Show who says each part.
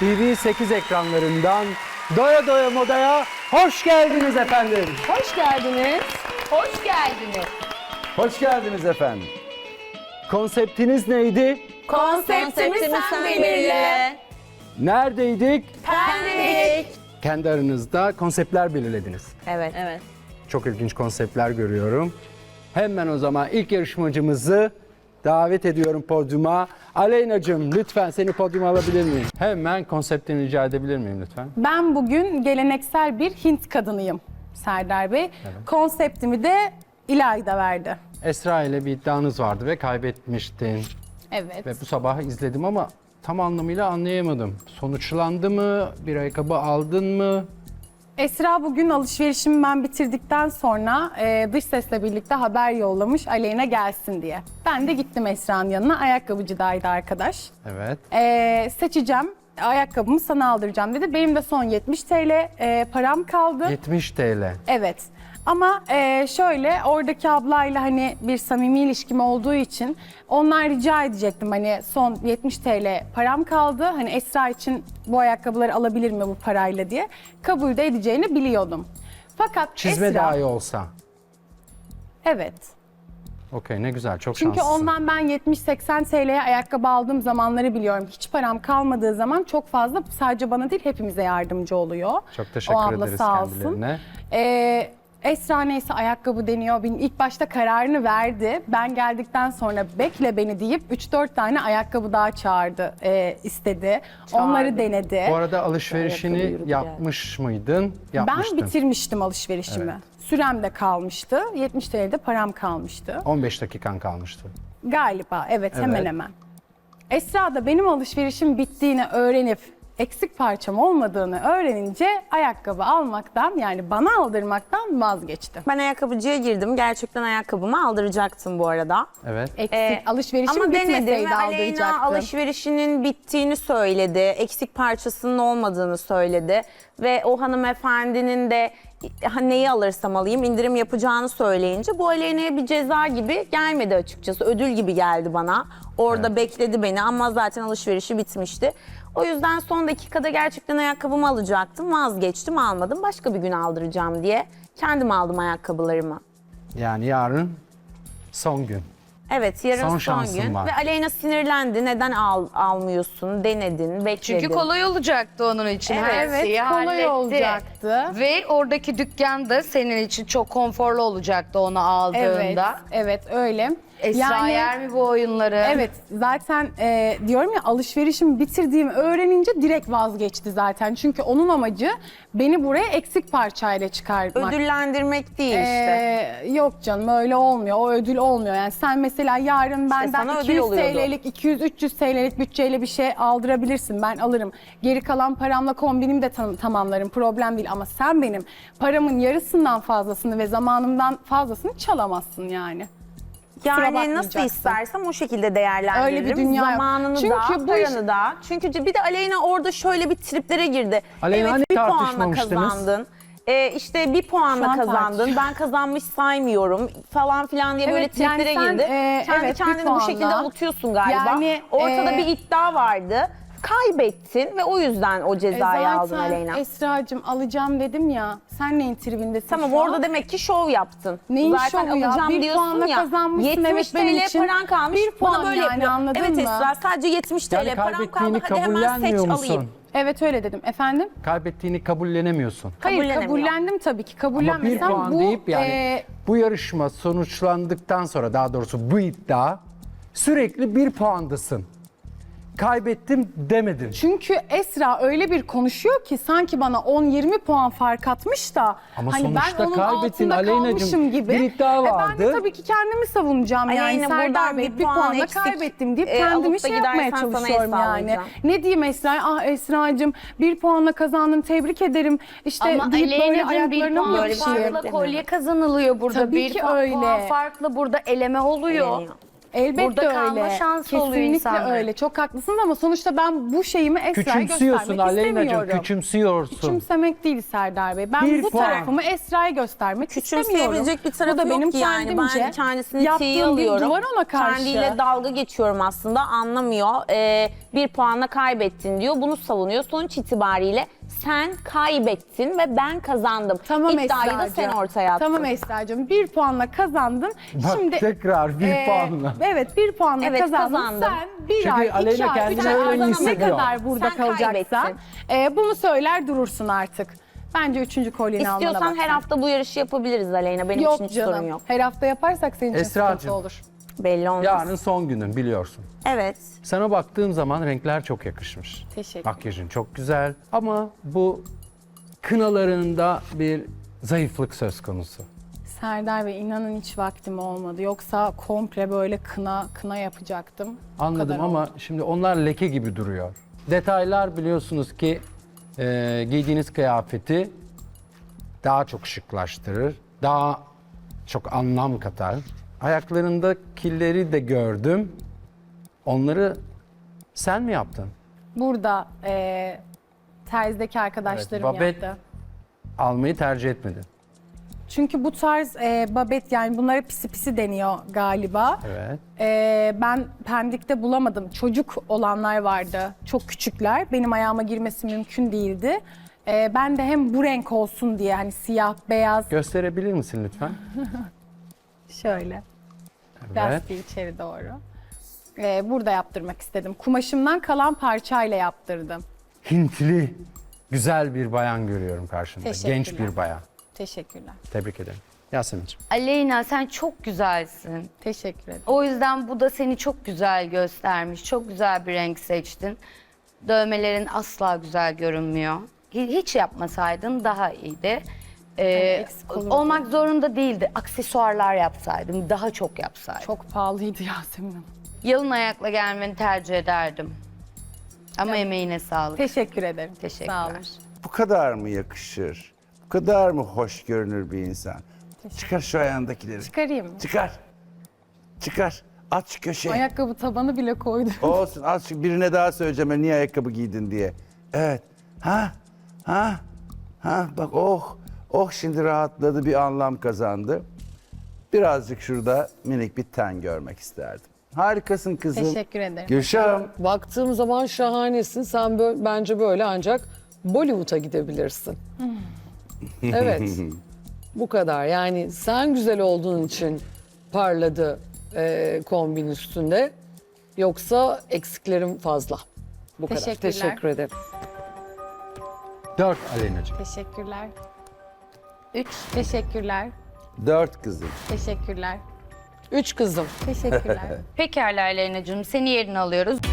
Speaker 1: TV8 ekranlarından Doya Doya Moda'ya hoş geldiniz efendim.
Speaker 2: Hoş geldiniz. Hoş geldiniz.
Speaker 1: Hoş geldiniz efendim. Konseptiniz neydi?
Speaker 2: Konseptimi sen belirle.
Speaker 1: Neredeydik?
Speaker 2: Pendik.
Speaker 1: Kendi aranızda konseptler belirlediniz.
Speaker 2: Evet.
Speaker 1: Çok ilginç konseptler görüyorum. Hemen o zaman ilk yarışmacımızı davet ediyorum podyuma. Aleyna'cığım lütfen seni podyuma alabilir miyim? Hemen konseptini rica edebilir miyim lütfen?
Speaker 3: Ben bugün geleneksel bir Hint kadınıyım Serdar Bey. Konseptimi de İlayda verdi.
Speaker 1: Esra ile bir iddianız vardı ve kaybetmiştin.
Speaker 3: Evet.
Speaker 1: Ve bu sabah izledim ama tam anlamıyla anlayamadım. Sonuçlandı mı? Bir ayakkabı aldın mı?
Speaker 3: Esra bugün alışverişimi ben bitirdikten sonra dış sesle birlikte haber yollamış Aleyna gelsin diye. Ben de gittim Esra'nın yanına. Ayakkabıcıdaydı arkadaş.
Speaker 1: Evet.
Speaker 3: Seçeceğim. Ayakkabımı sana aldıracağım dedi. Benim de son 70 TL param kaldı.
Speaker 1: 70 TL.
Speaker 3: Evet. Ama şöyle oradaki ablayla hani bir samimi ilişkim olduğu için ondan rica edecektim hani son 70 TL param kaldı. Hani Esra için bu ayakkabıları alabilir mi bu parayla diye. Kabul de edeceğini biliyordum. Fakat
Speaker 1: Çizme
Speaker 3: Esra...
Speaker 1: dahi olsa.
Speaker 3: Evet.
Speaker 1: Okey, ne güzel, çok
Speaker 3: Çünkü
Speaker 1: şanslısın.
Speaker 3: ondan ben 70-80 TL'ye ayakkabı aldığım zamanları biliyorum. Hiç param kalmadığı zaman çok fazla sadece bana değil hepimize yardımcı oluyor.
Speaker 1: Çok teşekkür
Speaker 3: o abla
Speaker 1: ederiz
Speaker 3: sağ olsun.
Speaker 1: kendilerine.
Speaker 3: Esra neyse ayakkabı deniyor. Benim ilk başta kararını verdi. Ben geldikten sonra bekle beni deyip 3-4 tane ayakkabı daha çağırdı, istedi. Onları denedi.
Speaker 1: Bu arada alışverişini yapmış mıydın? Yapmıştın.
Speaker 3: Ben bitirmiştim alışverişimi.
Speaker 1: Evet.
Speaker 3: Sürem de kalmıştı. 70 TL'de param kalmıştı.
Speaker 1: 15 dakikan kalmıştı.
Speaker 3: Galiba evet,
Speaker 1: Evet.
Speaker 3: hemen hemen. Esra da benim alışverişim bittiğini öğrenip eksik parçam olmadığını öğrenince ayakkabı almaktan yani bana aldırmaktan vazgeçti.
Speaker 4: Ben ayakkabıcıya girdim. Gerçekten ayakkabımı aldıracaktım bu arada.
Speaker 1: Evet.
Speaker 3: Eksik alışverişim
Speaker 4: Ama denedim
Speaker 3: bitmeseydi
Speaker 4: ve Aleyna
Speaker 3: aldıracaktım.
Speaker 4: alışverişinin bittiğini söyledi. Eksik parçasının olmadığını söyledi. Ve o hanımefendinin de neyi alırsam alayım indirim yapacağını söyleyince bu Aleyna'ya bir ceza gibi gelmedi açıkçası. Ödül gibi geldi bana. Orada bekledi beni ama zaten alışverişi bitmişti. O yüzden son dakikada gerçekten ayakkabımı alacaktım. Vazgeçtim, almadım. Başka bir gün aldıracağım diye kendim aldım ayakkabılarımı.
Speaker 1: Yani yarın son gün.
Speaker 4: Evet, yarın
Speaker 1: Son
Speaker 4: son
Speaker 1: şansın
Speaker 4: gün.
Speaker 1: var.
Speaker 4: Ve Aleyna sinirlendi. Neden almıyorsun? Denedin, bekledin.
Speaker 2: Çünkü kolay olacaktı onun için. Her
Speaker 3: Evet,
Speaker 2: şeyi
Speaker 3: kolay
Speaker 2: halletti.
Speaker 3: olacaktı.
Speaker 2: Ve oradaki dükkan da senin için çok konforlu olacaktı onu
Speaker 3: Evet,
Speaker 2: aldığında.
Speaker 3: evet öyle.
Speaker 2: Esra yer mi bu oyunları?
Speaker 3: Evet zaten diyorum ya alışverişimi bitirdiğimi öğrenince direkt vazgeçti zaten. Çünkü onun amacı beni buraya eksik parçayla çıkarmak.
Speaker 4: Ödüllendirmek değil işte.
Speaker 3: Yok canım öyle olmuyor. O ödül olmuyor. Yani sen mesela yarın benden
Speaker 4: sana ödül
Speaker 3: 200
Speaker 4: oluyordu.
Speaker 3: TL'lik, 200-300 TL'lik bütçeyle bir şey aldırabilirsin. Ben alırım. Geri kalan paramla kombinimi de tamamlarım. Problem değil ama sen benim paramın yarısından fazlasını ve zamanımdan fazlasını çalamazsın yani.
Speaker 4: Yani nasıl
Speaker 3: bakmayacaksın.
Speaker 4: istersem o şekilde değerlendiririm.
Speaker 3: Öyle bir dünya yok.
Speaker 4: Zamanını
Speaker 3: Çünkü
Speaker 4: da,
Speaker 3: bu
Speaker 4: paranı da. Çünkü bir de Aleyna orada şöyle bir triplere girdi.
Speaker 1: Aleyna, hani
Speaker 4: evet bir puanla
Speaker 1: tartışmamıştınız?
Speaker 4: kazandın. İşte bir
Speaker 3: Şu
Speaker 4: puanla
Speaker 3: an
Speaker 4: kazandın.
Speaker 3: tartış.
Speaker 4: Ben kazanmış saymıyorum falan filan diye böyle
Speaker 3: Evet, yani
Speaker 4: triplere
Speaker 3: sen,
Speaker 4: girdi. Kendi
Speaker 3: evet, bir
Speaker 4: kendini bu
Speaker 3: puanla.
Speaker 4: şekilde avutuyorsun galiba.
Speaker 3: Yani,
Speaker 4: Ortada bir iddia vardı. Kaybettin ve o yüzden o cezayı aldın
Speaker 3: Zaten
Speaker 4: Aleyna.
Speaker 3: Esra'cığım alacağım dedim ya. Sen neyin tribindesin
Speaker 4: Tamam
Speaker 3: şu an?
Speaker 4: orada demek ki şov yaptın.
Speaker 3: Neyin
Speaker 4: Zaten
Speaker 3: şovu ya?
Speaker 4: alacağım
Speaker 3: Bir
Speaker 4: diyorsun
Speaker 3: puanla
Speaker 4: ya.
Speaker 3: kazanmışsın,
Speaker 4: 70
Speaker 3: evet, benim
Speaker 4: TL
Speaker 3: için.
Speaker 4: paran kalmış.
Speaker 3: Bir puan
Speaker 4: bana böyle
Speaker 3: yani,
Speaker 4: yapıyor.
Speaker 3: anladın
Speaker 4: evet
Speaker 3: mı?
Speaker 4: Esra sadece 70 TL
Speaker 1: Yani
Speaker 4: param kaldı.
Speaker 1: kaybettiğini
Speaker 4: Hadi hemen seç
Speaker 1: kabullenmiyor
Speaker 4: alayım.
Speaker 1: musun?
Speaker 3: Evet öyle dedim. Efendim?
Speaker 1: Kaybettiğini kabullenemiyorsun.
Speaker 3: Hayır
Speaker 4: Kabullenemiyor.
Speaker 3: kabullendim tabii ki.
Speaker 1: Ama bir
Speaker 3: Kabullenmesem
Speaker 1: puan
Speaker 3: bu
Speaker 1: deyip yani bu yarışma sonuçlandıktan sonra daha doğrusu bu iddia sürekli bir puandasın. Kaybettim demedin.
Speaker 3: çünkü Esra öyle bir konuşuyor ki sanki bana 10-20 puan fark atmış da
Speaker 1: Ama
Speaker 3: hani
Speaker 1: sonuçta
Speaker 3: ben onun
Speaker 1: kaybettin
Speaker 3: altında
Speaker 1: Aleyna'cığım.
Speaker 3: kalmışım gibi.
Speaker 1: Bir iddia
Speaker 3: Ben
Speaker 1: vardı.
Speaker 3: de tabii ki kendimi savunacağım yani
Speaker 4: Aleyna,
Speaker 3: Serdar
Speaker 4: buradan
Speaker 3: Bey
Speaker 4: bir
Speaker 3: bir
Speaker 4: puan
Speaker 3: puanla
Speaker 4: eksik,
Speaker 3: kaybettim deyip
Speaker 4: alıp
Speaker 3: kendimi
Speaker 4: da
Speaker 3: şey yapmaya
Speaker 4: gidersen sana
Speaker 3: çalışıyorum yani.
Speaker 4: hesaplayacağım.
Speaker 3: Ne diyeyim Esra? Ah Esra'cığım bir puanla kazandın tebrik ederim. İşte
Speaker 2: Ama
Speaker 3: deyip böyle
Speaker 2: Aleyna'cığım bir
Speaker 3: ayaklarına mı
Speaker 2: puan
Speaker 4: böyle bir şey
Speaker 2: farkla
Speaker 4: yok
Speaker 2: kolye kazanılıyor burada.
Speaker 3: Tabii
Speaker 2: bir
Speaker 3: ki
Speaker 2: puan
Speaker 3: öyle.
Speaker 2: farklı burada eleme oluyor.
Speaker 4: Eleniyor.
Speaker 3: Elbette
Speaker 2: Burada kalma
Speaker 3: öyle.
Speaker 2: şansı oluyor
Speaker 3: Kesinlikle
Speaker 2: insanların.
Speaker 3: öyle. Çok haklısınız ama sonuçta ben bu şeyimi Esra'ya
Speaker 1: Küçümsüyorsun
Speaker 3: göstermek
Speaker 1: Aleyna'cığım,
Speaker 3: istemiyorum.
Speaker 1: küçümsüyorsun.
Speaker 3: Küçümsemek değil Serdar Bey. Ben
Speaker 1: Bir
Speaker 3: bu
Speaker 1: puan.
Speaker 3: tarafımı Esra'ya göstermek istemiyorum.
Speaker 4: Küçümseyebilecek bir tarafı
Speaker 3: Bu da benim
Speaker 4: yok yani.
Speaker 3: kendimce
Speaker 4: Ben kendisini
Speaker 3: yaptığım
Speaker 4: tiye
Speaker 3: bir
Speaker 4: alıyorum.
Speaker 3: duvar ona karşı.
Speaker 4: Kendiyle dalga geçiyorum aslında, anlamıyor. Bir puanla kaybettin diyor. Bunu savunuyor. Sonuç itibariyle sen kaybettin ve ben kazandım.
Speaker 3: Tamam
Speaker 4: İddiayı da
Speaker 3: Esra'cığım.
Speaker 4: sen ortaya attın.
Speaker 3: Tamam Esra'cığım. 1 puanla kazandın.
Speaker 1: Bak
Speaker 3: Şimdi
Speaker 1: tekrar bir puanla.
Speaker 3: Evet, 1 puanla
Speaker 4: Evet,
Speaker 3: kazandın.
Speaker 4: kazandım.
Speaker 3: Sen 1
Speaker 1: Çünkü
Speaker 3: ay, 2
Speaker 1: Aleyna
Speaker 3: ay,
Speaker 1: kendini
Speaker 3: 3 ay
Speaker 1: öyle
Speaker 3: ne
Speaker 1: hissediyor.
Speaker 3: kadar burada
Speaker 4: Sen
Speaker 3: kalacaksan
Speaker 4: kaybettin.
Speaker 3: bunu söyler durursun artık. Bence 3. kolyeni almana bak.
Speaker 4: İstiyorsan her hafta bu yarışı yapabiliriz Aleyna. Benim
Speaker 3: Yok
Speaker 4: için hiç sorun
Speaker 3: canım.
Speaker 4: yok.
Speaker 3: Her hafta yaparsak senin için
Speaker 1: Esra'cığım.
Speaker 3: sıkıntı olur.
Speaker 4: Belli olmaz.
Speaker 1: Yarın son günün biliyorsun.
Speaker 4: Evet.
Speaker 1: Sana baktığım zaman renkler çok yakışmış.
Speaker 3: Teşekkür.
Speaker 1: Makyajın çok güzel ama bu kınalarında bir zayıflık söz konusu.
Speaker 3: Serdar Bey, inanın hiç vaktim olmadı. Yoksa komple böyle kına yapacaktım. Bu
Speaker 1: Anladım
Speaker 3: kadar
Speaker 1: ama
Speaker 3: oldu.
Speaker 1: şimdi onlar leke gibi duruyor. Detaylar biliyorsunuz ki giydiğiniz kıyafeti daha çok şıklaştırır, daha çok anlam katar. Ayaklarında killeri de gördüm. Onları sen mi yaptın?
Speaker 3: Burada terzideki arkadaşlarım
Speaker 1: babet-
Speaker 3: yaptı.
Speaker 1: Almayı tercih etmedin.
Speaker 3: Çünkü bu tarz babet, yani bunlara pisi pisi deniyor galiba.
Speaker 1: Evet.
Speaker 3: Ben Pendik'te bulamadım. Çocuk olanlar vardı. Çok küçükler. Benim ayağıma girmesi mümkün değildi. Ben de hem bu renk olsun diye, hani siyah, beyaz,
Speaker 1: Gösterebilir misin lütfen?
Speaker 3: şöyle.
Speaker 1: Evet.
Speaker 3: Lastiği içeri doğru. Burada yaptırmak istedim. Kumaşımdan kalan parçayla yaptırdım.
Speaker 1: Hintli, güzel bir bayan görüyorum karşımda.
Speaker 3: Teşekkürler.
Speaker 1: Genç bir bayan.
Speaker 3: Teşekkürler.
Speaker 1: Tebrik ederim. Yasemin'ciğim.
Speaker 2: Aleyna sen çok güzelsin.
Speaker 3: Teşekkür ederim.
Speaker 2: O yüzden bu da seni çok güzel göstermiş. Çok güzel bir renk seçtin. Dövmelerin asla güzel görünmüyor. Hiç yapmasaydın daha iyiydi.
Speaker 3: eksik olurdu.
Speaker 2: Olmak zorunda değildi. Aksesuarlar yapsaydın, daha çok yapsaydın.
Speaker 3: Çok pahalıydı Yasemin Hanım.
Speaker 2: Yalın ayakla gelmeni tercih ederdim. Ama emeğine sağlık.
Speaker 3: Teşekkür ederim.
Speaker 2: Teşekkürler.
Speaker 3: Sağ olun.
Speaker 5: Bu kadar mı yakışır? Bu kadar mı hoş görünür bir insan? Çıkar şu ayağındakileri.
Speaker 3: Çıkarayım mı?
Speaker 5: Çıkar. Çıkar. At şu köşeye.
Speaker 3: Ayakkabı tabanı bile koydum.
Speaker 5: Olsun. At şu birine daha söyleyeceğim ben niye ayakkabı giydin diye. Evet. Ha? Bak oh. Oh şimdi rahatladı, bir anlam kazandı. Birazcık şurada minik bir ten görmek isterdim. Harikasın kızım.
Speaker 3: Teşekkür ederim.
Speaker 5: Gülşah'ım.
Speaker 6: Baktığım zaman şahanesin. Sen bence böyle ancak Bollywood'a gidebilirsin. Evet. Bu kadar. Yani sen güzel olduğun için parladı kombin üstünde. Yoksa eksiklerim fazla. Bu kadar.
Speaker 3: Teşekkürler.
Speaker 6: Teşekkür ederim.
Speaker 1: 4 Aleyna'cığım.
Speaker 3: Teşekkürler. 3. Teşekkürler.
Speaker 5: 4 kızım.
Speaker 3: Teşekkürler.
Speaker 6: 3 kızım.
Speaker 3: Teşekkürler.
Speaker 2: Pekala Aleyna'cığım, seni yerine alıyoruz.